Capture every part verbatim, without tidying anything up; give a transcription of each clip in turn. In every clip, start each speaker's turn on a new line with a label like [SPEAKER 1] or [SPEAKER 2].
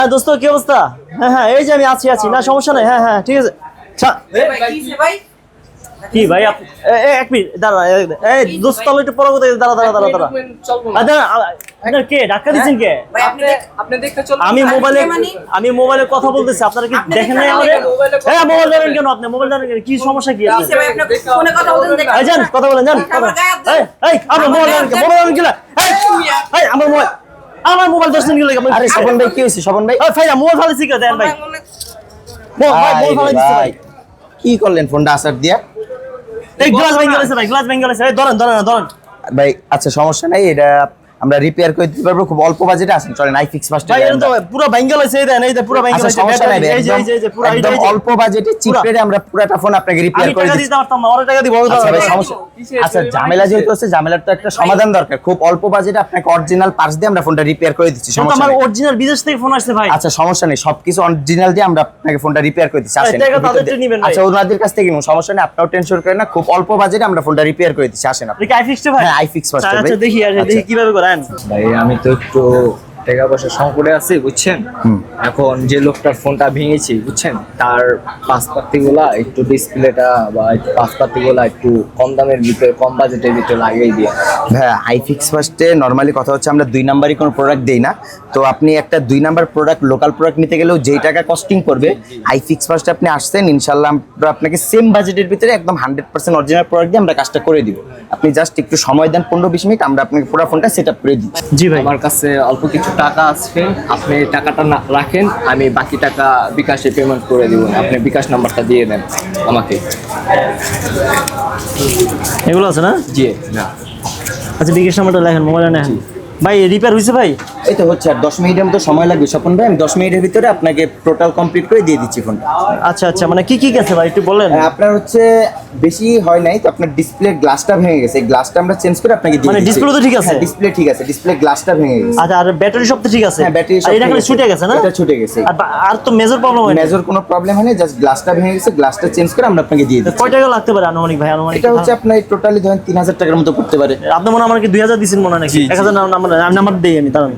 [SPEAKER 1] হ্যাঁ দোস্ত কি অবস্থা? হ্যাঁ হ্যাঁ এই যে আমি আছি আছি না সমস্যা নাই। হ্যাঁ হ্যাঁ ঠিক আছে। কি ভাই এক মিনিট দাঁড়া। এই দোস্ত তাহলে একটু পরে কথা দাঁড়া দাঁড়া দাঁড়া দাঁড়া আপনার কে ধাক্কা দিচ্ছেন কে? আমি মোবাইলে আমি মোবাইলে কথা বলতেছি, আপনারা কি দেখেন নাই আমাদের? হ্যাঁ মোবাইল ধরেন কেন আপনি? মোবাইল ধরেন কেন? কি সমস্যা কি আছে? এই যান কথা বলেন যান। এই এই আপনি মোবাইল ধরেন কেন? মোবাইল ধরেন কি না? এই এই আমার মোবাইল আমার মোবাইল ধরছেন কি লাগে?
[SPEAKER 2] আরে স্বপন ভাই কি হইছে? স্বপন ভাই
[SPEAKER 1] এই ভাই মোবাইল ফালাইছি কে দেন ভাই? মোবাইল ফালাই দিছি ভাই।
[SPEAKER 2] কি করলেন ফোনটা আসার দিয়া?
[SPEAKER 1] এই গ্লাস ভেঙে গেছে ভাই, গ্লাস ভেঙে গেছে। এই ধরেন ধরেন ধরেন
[SPEAKER 2] ভাই। আচ্ছা সমস্যা নাই, এটা আমরা রিপেয়ার করে দিতে পারবো, খুব অল্প বাজেটে আছেন। চলেন আই ফিক্স ফার্স্ট।
[SPEAKER 1] ভাই এটা তো পুরো ভেঙে গেছে। এই দেন এই যে পুরো ভেঙে গেছে।
[SPEAKER 2] সমস্যা নাই,
[SPEAKER 1] এই যে এই যে পুরো এই
[SPEAKER 2] একদম অল্প বাজেটে চিপ রেটে আমরা পুরোটা ফোন আপনাকে রিপেয়ার করে দিতে
[SPEAKER 1] দিতে পারতাম না, ওরা টাকা দিব।
[SPEAKER 2] আচ্ছা ভাই সমস্যা। আচ্ছা ঝামেলা যেহেতু আছে, ঝামেলার তো একটা সমাধান দরকার। খুব অল্প বাজেটে আপনাকে অরিজিনাল পার্টস দিয়ে আমরা ফোনটা রিপেয়ার করে দিচ্ছি। সমস্যা
[SPEAKER 1] আমার
[SPEAKER 2] নেই।
[SPEAKER 1] অরিজিনাল বিদেশ থেকে ফোন আসছে ভাই।
[SPEAKER 2] আচ্ছা সমস্যা নেই, সবকিছু অরিজিনাল দিয়ে আমরা আপনাকে ফোনটা রিপেয়ার করে দিচ্ছি। আসেন।
[SPEAKER 1] টাকা তাদেরটা নেবেন ভাই।
[SPEAKER 2] আচ্ছা ওনাদের কাছ থেকে নিন, সমস্যা নেই, আপনারাও টেনশন করেন না। খুব অল্প বাজেটে আমরা ফোনটা রিপেয়ার করে দিচ্ছি। আসেন আপনি।
[SPEAKER 1] কি আই ফিক্সড ভাই?
[SPEAKER 2] হ্যাঁ আই ফিক্স ফার্স্ট।
[SPEAKER 1] আচ্ছা দেখি আর দেখি কিভাবে করেন
[SPEAKER 3] ভাই। আমি তো একটু টাকা পয়সা সংকটে আছি বুঝছেন। এখন যে লোকটার ফোনটা ভেঙেছি বুঝছেন, তার পাসপাতি গুলা একটু ডিসপ্লেটা বা পাসপাতি গুলা একটু কম দামের ভিতরে, কম বাজেটের ভিতরে লাগিয়ে দিয়ে।
[SPEAKER 2] হ্যাঁ আই ফিক্স ফার্স্টে নর্মালি কথা হচ্ছে আমরা দুই নাম্বারই কোনো প্রোডাক্ট দেই না। তো আপনি একটা দুই নাম্বার প্রোডাক্ট, লোকাল প্রোডাক্ট নিতে গেলেও যেই টাকা কস্টিং করবে, আই ফিক্স ফার্স্টে আপনি আসছেন ইনশাল্লাহ আমরা আপনাকে সেম বাজেটের ভিতরে একদম হান্ড্রেড পার্সেন্ট অরিজিনাল প্রোডাক্ট দিয়ে আমরা কাজটা করে দিব। আপনি জাস্ট একটু সময় দেন, পনেরো বিশ মিনিট, আমরা আপনাকে পুরো ফোনটা সেট আপ করে দিচ্ছি।
[SPEAKER 1] জি ভাই।
[SPEAKER 3] আমার কাছে অল্প কিছু টাকা আছে, আপনি টাকাটা না রাখেন, আমি বাকি টাকা বিকাশে পেমেন্ট করে দিব। আপনি বিকাশ নাম্বারটা দিয়ে দেন আমাকে।
[SPEAKER 1] এগুলো আছে না?
[SPEAKER 3] জি না।
[SPEAKER 1] আচ্ছা বিকাশ নাম্বারটা লেখেন, মোবাইলে নেন ভাই। রিপেয়ার হইছে ভাই?
[SPEAKER 2] এই তো হচ্ছে, আর দশ মিনিটের মতো সময় লাগবে স্বপন ভাই। আমি দশ মিনিটের ভিতরে আপনাকে টোটাল কমপ্লিট করে দিয়ে দিচ্ছি ফোনটা।
[SPEAKER 1] আচ্ছা আচ্ছা মানে কি কি গেছে ভাই একটু বলেন।
[SPEAKER 2] আপনার হচ্ছে বেশি হয় নাই তো, আপনার ডিসপ্লের গ্লাসটা ভেঙে গেছে, এই গ্লাসটা আমরা চেঞ্জ করে আপনাকে দিয়ে
[SPEAKER 1] মানে
[SPEAKER 2] দিচ্ছি।
[SPEAKER 1] ডিসপ্লে তো ঠিক আছে?
[SPEAKER 2] ডিসপ্লে ঠিক আছে, ডিসপ্লে গ্লাসটা ভেঙে গেছে।
[SPEAKER 1] আচ্ছা আর ব্যাটারি সব তো ঠিক আছে?
[SPEAKER 2] হ্যাঁ ব্যাটারি সব
[SPEAKER 1] এটা খালি ছুটে গেছে না?
[SPEAKER 2] এটা ছুটে গেছে।
[SPEAKER 1] আর আর তো মেজর প্রবলেম হয়নি?
[SPEAKER 2] মেজর কোনো প্রবলেম হয়নি, জাস্ট গ্লাসটা ভেঙে গেছে, গ্লাসটা চেঞ্জ করে আমরা আপনাকে দিয়ে দিচ্ছি।
[SPEAKER 1] কয় টাকা লাগতে পারে আনুমানিক ভাই? আনুমানিক
[SPEAKER 2] এটা হচ্ছে আপনার টোটালি ধরেন তিন হাজার টাকার মতো পড়তে পারে।
[SPEAKER 1] আপনি মনে হয় আমাকে দুই হাজার দিচ্ছেন মনে হয় নাকি? এক হাজার নাম্বার নাম্বার দিই আমি তার।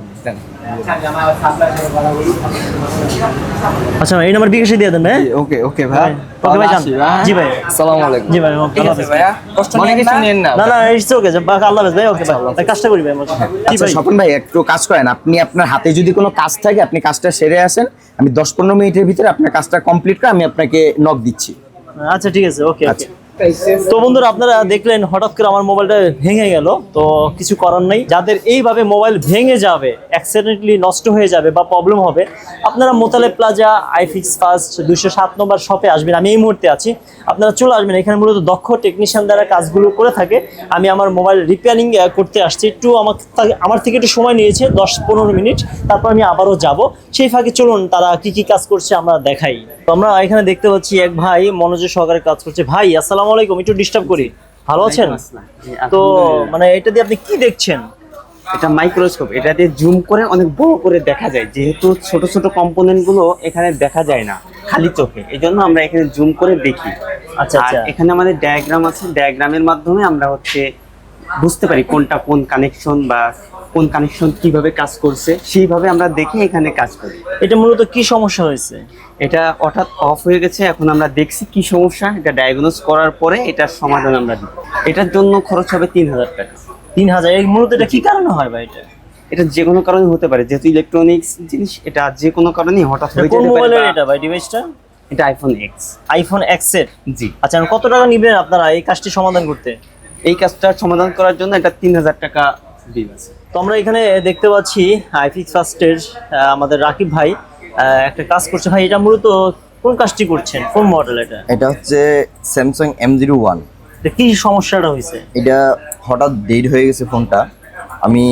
[SPEAKER 1] আচ্ছা এই নাম্বার বিকাশে দিয়ে দেন।
[SPEAKER 3] ওকে ওকে ভাই।
[SPEAKER 1] ওকে ভাই যান। জি ভাই
[SPEAKER 3] আসসালামু আলাইকুম।
[SPEAKER 1] জি ভাই ওকে আল্লাহ হাফেজ
[SPEAKER 3] ভাইয়া। মনে কিছু নেন না।
[SPEAKER 1] না না ইটস ওকে। আল্লাহ হাফেজ ভাই। ওকে ভাই কাজটা করি ভাই। কি
[SPEAKER 2] আচ্ছা
[SPEAKER 1] ভাই
[SPEAKER 2] স্বপন ভাই একটু কাজ করেন, আপনি আপনার হাতে যদি কোনো কাজ থাকে আপনি কাজটা সেরে আসেন, আমি দশ পনেরো মিনিটের ভিতরে আপনার কাজটা কমপ্লিট করে আমি আপনাকে নক দিচ্ছি।
[SPEAKER 1] আচ্ছা ঠিক আছে ওকে
[SPEAKER 2] আচ্ছা।
[SPEAKER 1] ওকে। তো বন্ধুরা আপনারা দেখলেন হঠাৎ করে আমার মোবাইলটা ভেঙে গেল। তো কিছু করার নেই, যাদের এইভাবে মোবাইল ভেঙে যাবে, অ্যাক্সিডেন্টলি নষ্ট হয়ে যাবে বা প্রবলেম হবে, আপনারা মোতালেব প্লাজা আইফিক্স ফার্স্ট দুইশো সাত নম্বর শপে আসবেন। আমি এই মুহূর্তে আছি, আপনারা চলে আসবেন। এখানে মূলত দক্ষ টেকনিশিয়ান দ্বারা কাজগুলো করে থাকে। আমি আমার মোবাইল রিপেয়ারিং করতে আসছি, একটু আমার আমার থেকে একটু সময় নিয়েছে দশ পনেরো মিনিট, তারপর আমি আবারও যাব। সেই ফাঁকে চলুন তারা কি কি কাজ করছে আমরা দেখাই। তো আমরা এখানে দেখতে পাচ্ছি এক ভাই মনোযোগ সহকারে কাজ করছে। ভাই আসসালামু আলাইকুম, একটু ডিস্টার্ব করি, ভালো আছেন? তো মানে এটা দিয়ে আপনি কি দেখছেন?
[SPEAKER 4] এটা মাইক্রোস্কোপ, এটা দিয়ে জুম করে অনেক বড় করে দেখা যায়, যেহেতু ছোট ছোট কম্পোনেন্ট গুলো এখানে দেখা যায় না খালি চোখে, এই জন্য আমরা এখানে জুম করে দেখি।
[SPEAKER 1] আচ্ছা
[SPEAKER 4] আর
[SPEAKER 1] আচ্ছা।
[SPEAKER 4] এখানে আমাদের ডায়াগ্রাম আছে, ডায়াগ্রামের মাধ্যমে আমরা হচ্ছে বুঝতে পারি কোনটা কোন কানেকশন বা কোন কানেকশন কিভাবে কাজ করছে, সেইভাবে আমরা দেখে এখানে কাজ করি।
[SPEAKER 1] এটা মূলত কি সমস্যা হয়েছে?
[SPEAKER 4] এটা হঠাৎ অফ হয়ে গেছে, এখন আমরা দেখছি কি সমস্যা, এটা ডায়াগনোজ করার পরে এটার সমাধান আমরা দিই। এটার জন্য খরচ হবে তিন হাজার টাকা।
[SPEAKER 1] তিন হাজার? এই মূলত এটা কি কারণে হয় ভাই? এটা
[SPEAKER 4] এটা যে কোনো কারণে হতে পারে, যেহেতু ইলেকট্রনিক্স জিনিস, এটা যে কোনো কারণে হঠাৎ হয়ে
[SPEAKER 1] কোন
[SPEAKER 4] যেতে পারে।
[SPEAKER 1] মোবাইলের এটা ভাই ডিভাইসটা?
[SPEAKER 4] এটা আইফোন এক্স।
[SPEAKER 1] আইফোন এক্স এর?
[SPEAKER 4] জি।
[SPEAKER 1] আচ্ছা কত টাকা নেবেন আপনারা এই কাজটি সমাধান করতে?
[SPEAKER 4] এই কাজটা সমাধান করার জন্য এটা তিন হাজার টাকা বিল আছে।
[SPEAKER 1] তো আমরা এখানে দেখতে পাচ্ছি আইফিক্স ফার্স্টের আমাদের রাকিব ভাই একটা কাজ করছে। ভাই এটা মূলত কোন কাজটি করছেন, কোন মডেল এটা?
[SPEAKER 2] এটা হচ্ছে স্যামসাং এম জিরো ওয়ান।
[SPEAKER 1] কি সমস্যাটা হয়েছে?
[SPEAKER 2] এটা হঠাৎ ডেড হয়ে গেছে ফোনটা। আমি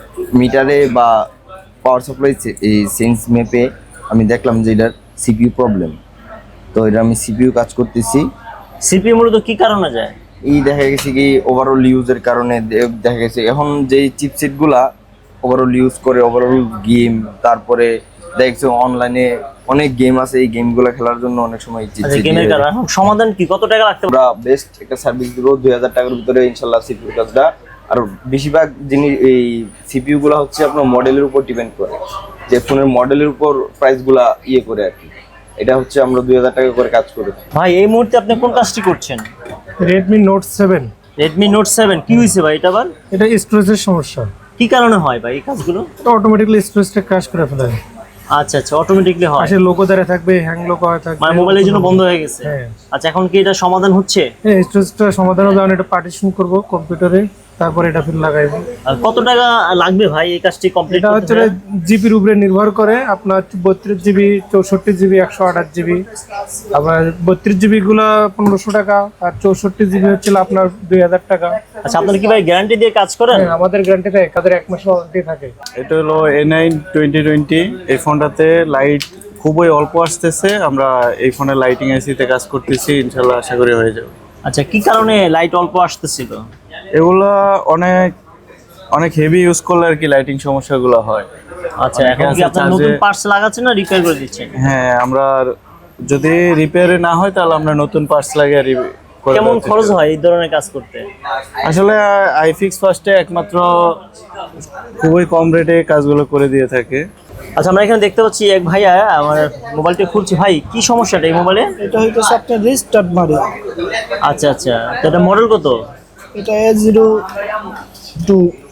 [SPEAKER 2] মিটারে বা পাওয়ার সাপ্লাই এই সেন্স ম্যাপে আমি দেখলাম যে এটার সিপিইউ প্রবলেম। তো এটা আমি সিপিইউ কাজ করতেছি।
[SPEAKER 1] সিপিইউ মূলত কি কারণে যায়?
[SPEAKER 2] এই দেখা গেছে কি ওভারঅল ইউজের কারণে দেখা গেছে এখন যে চিপসেটগুলা ওভারঅল ইউজ করে, ওভারঅল গেম, তারপরে দেখছো অনলাইনে অনেক গেম আছে, এই গেমগুলো খেলার জন্য অনেক সময় চিপসেট
[SPEAKER 1] গেমের কারণে। সমাধান কি, কত টাকা লাগতে পারে?
[SPEAKER 2] আমরা বেস্ট একটা সার্ভিস দিব দুই হাজার টাকার ভিতরে ইনশাল্লাহ সিপিইউ কাজটা। আর বেশিরভাগ জিনিস এই সিপিইউ গুলো হচ্ছে আপনার মডেলের উপর ডিপেন্ড করে।
[SPEAKER 5] যে ফোনের মডেলের উপর প্রাইসগুলা ইয়ে করে আর কি। এটা হচ্ছে আমরা দুই হাজার টাকা করে কাজ করে থাকি।
[SPEAKER 1] ভাই এই মুহূর্তে আপনি কোন কাজটি করছেন?
[SPEAKER 6] Redmi Note seven.
[SPEAKER 1] Redmi Note seven কি হয়েছে ভাই এটা আবার?
[SPEAKER 6] এটা স্টোরেজের সমস্যা।
[SPEAKER 1] কি কারণে হয় ভাই এই কাজগুলো?
[SPEAKER 6] এটা অটোমেটিক্যালি স্টোরেজটা ক্র্যাশ করে ফেলে।
[SPEAKER 1] আচ্ছা আচ্ছা, অটোমেটিকলি হয়।
[SPEAKER 6] পাশে লোগো দ্বারা থাকবে, হ্যাং লোগো হয়ে থাকবে,
[SPEAKER 1] মানে মোবাইলের জন্য বন্ধ হয়ে গেছে।
[SPEAKER 6] হ্যাঁ।
[SPEAKER 1] আচ্ছা, এখন কি এটা সমাধান হচ্ছে?
[SPEAKER 6] হ্যাঁ, স্টোরেজটা সমাধান হবে। আমি এটা পার্টিশন করব কম্পিউটারে, তারপর এটা ফির লাগাইবো।
[SPEAKER 1] আর কত টাকা লাগবে ভাই এই কাজটি কমপ্লিট
[SPEAKER 6] এটা
[SPEAKER 1] করতে?
[SPEAKER 6] হচ্ছে জিবির উপরে নির্ভর করে, আপনার বত্রিশ জিবি, চৌষট্টি জিবি, একশো আঠাশ জিবি। আবার বত্রিশ জিবি গুলো পনেরোশো টাকা, আর চৌষট্টি জিবি হচ্ছে আপনার দুই হাজার টাকা।
[SPEAKER 1] আচ্ছা, আপনারা কি ভাই গ্যারান্টি দিয়ে কাজ করেন?
[SPEAKER 6] হ্যাঁ, আমাদের গ্যারান্টি থাকে, তাদের এক মাসের ওয়ারেন্টি থাকে।
[SPEAKER 7] এটা হলো এ নাইন টোয়েন্টি টোয়েন্টি। এই ফোনটাতে লাইট খুবই অল্প আসতেছে। আমরা এই ফোনে লাইটিং এসিতে কাজ করতেছি, ইনশাল্লাহ আশা করি হয়ে যাবে।
[SPEAKER 1] আচ্ছা, কি কারণে লাইট অল্প আসতেছিল?
[SPEAKER 7] এগুলা অনেক অনেক হেভি ইউজ করলে আর কি লাইটিং সমস্যাগুলো হয়।
[SPEAKER 1] আচ্ছা,
[SPEAKER 7] অনেকে
[SPEAKER 1] এখন কি
[SPEAKER 7] আছে
[SPEAKER 1] আপনারা
[SPEAKER 7] charge
[SPEAKER 1] নতুন
[SPEAKER 7] এ-
[SPEAKER 1] পার্টস লাগাচ্ছেন না রিপেয়ার করে দিচ্ছেন?
[SPEAKER 7] হ্যাঁ, আমরা যদি রিপেয়ারে না হয় তাহলে আমরা নতুন পার্টস লাগিয়ে রি- করে
[SPEAKER 1] কেমন
[SPEAKER 7] দেওয়ার চেষ্টা
[SPEAKER 1] খরচ
[SPEAKER 7] করি।
[SPEAKER 1] হয় এই ধরনের কাজ করতে?
[SPEAKER 7] আসলে আইফিক্স ফার্স্টে একমাত্র খুবই কম রেটে কাজগুলো করে দিয়ে থাকে।
[SPEAKER 1] আচ্ছা, আমরা এখানে দেখতে পাচ্ছি এক ভাইয়া আমার মোবাইলটা খুলছি। ভাই কি সমস্যাটা এই মোবাইলে?
[SPEAKER 8] এটা হইতেছে আপনার রিস্টার্ট মারে।
[SPEAKER 1] আচ্ছা আচ্ছা, তো এটা মডেল কত?
[SPEAKER 8] এটা এ জিরো টু।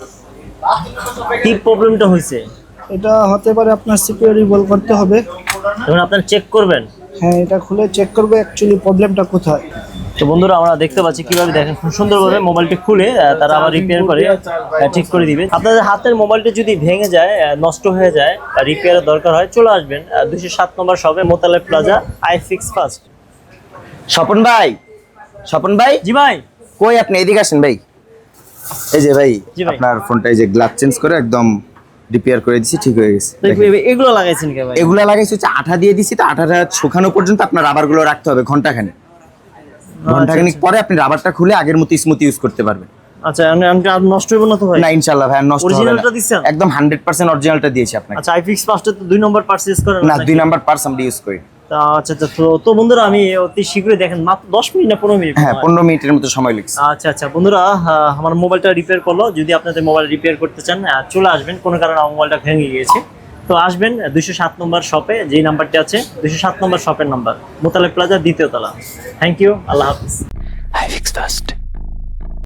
[SPEAKER 1] কি প্রবলেমটা হয়েছে?
[SPEAKER 8] এটা হতে পারে আপনার সিপিইউ রিভলভ করতে হবে।
[SPEAKER 1] এখন আপনারা চেক করবেন।
[SPEAKER 8] হ্যাঁ, এটা খুলে চেক করবে অ্যাকচুয়ালি প্রবলেমটা কোথায়।
[SPEAKER 1] তো বন্ধুরা, আমরা দেখতে পাচ্ছি কিভাবে দেখেন খুব সুন্দরভাবে মোবাইলটি খুলে আহ, তারা আবার রিপেয়ার করে আহ, ঠিক করে দিবে। আপনাদের হাতের মোবাইলটি যদি ভেঙে যায়, আহ, নষ্ট হয়ে যায় বা রিপেয়ারের দরকার হয়, চলে আসবেন দুইশো সাত নম্বর শপে, Motaleb Plaza, iFix First.
[SPEAKER 2] Swapan ভাই, স্বপন ভাই,
[SPEAKER 1] জি ভাই।
[SPEAKER 2] কই আপনি? এদিকে আসেন ভাই। এই যে ভাই,
[SPEAKER 1] জি ভাই।
[SPEAKER 2] আপনার ফোনটা এই যে গ্লাস চেঞ্জ করে একদম রিপেয়ার করে দিছি, ঠিক হয়ে গেছে।
[SPEAKER 1] তো এ- এগুলো লাগাইছেন কে ভাই?
[SPEAKER 2] এগুলা লাগাইছি হচ্ছে আঠা দিয়ে দিছি, তো আঠাটা শুকানো পর্যন্ত আপনার রাবারগুলো রাখতে হবে ঘন্টাখানেক। ঘন্টাখানেক পরে আপনি রাবারটা খুলে আগের মতো স্মুথ ইউজ করতে পারবেন।
[SPEAKER 1] আচ্ছা, আমি- আমি আর নষ্ট হইব না তো ভাই?
[SPEAKER 2] না, ইনশাআল্লাহ ভাই, আর নষ্ট হবে না।
[SPEAKER 1] Originalটা দিছেন?
[SPEAKER 2] একদম হান্ড্রেড পার্সেন্ট অরিজিনালটা দিয়েছি আপনাকে।
[SPEAKER 1] আচ্ছা, আইফিক্স ফার্স্টে তো দুই নম্বর পারচেজ করেন
[SPEAKER 2] না,
[SPEAKER 1] নাকি?
[SPEAKER 2] দুই নাম্বার পার্স আমরা ইউজ করি।
[SPEAKER 1] তা আচ্ছা আচ্ছা, তো তো বন্ধুরা, আমি অতি শীঘ্রই দেখেন মাত্র দশ মিনিট না পনেরো মিনিট?
[SPEAKER 2] হ্যাঁ, পনেরো মিনিটের মতো সময় লাগছে।
[SPEAKER 1] আচ্ছা আচ্ছা বন্ধুরা, আহ, আমার মোবাইলটা রিপেয়ার করলো। যদি আপনাদের মোবাইল রিপেয়ার করতে চান, আহ, চলে আসবেন। কোনো কারণে আমার মোবাইলটা ভেঙে গিয়েছে, তো আসবেন দুইশো সাত নম্বর শপে, যেই নাম্বারটি আছে দুইশো সাত নম্বর শপের নাম্বার, মোতালেব প্লাজা, দ্বিতীয় তলা। থ্যাংক ইউ, আল্লাহ হাফিজ।
[SPEAKER 9] iFix First.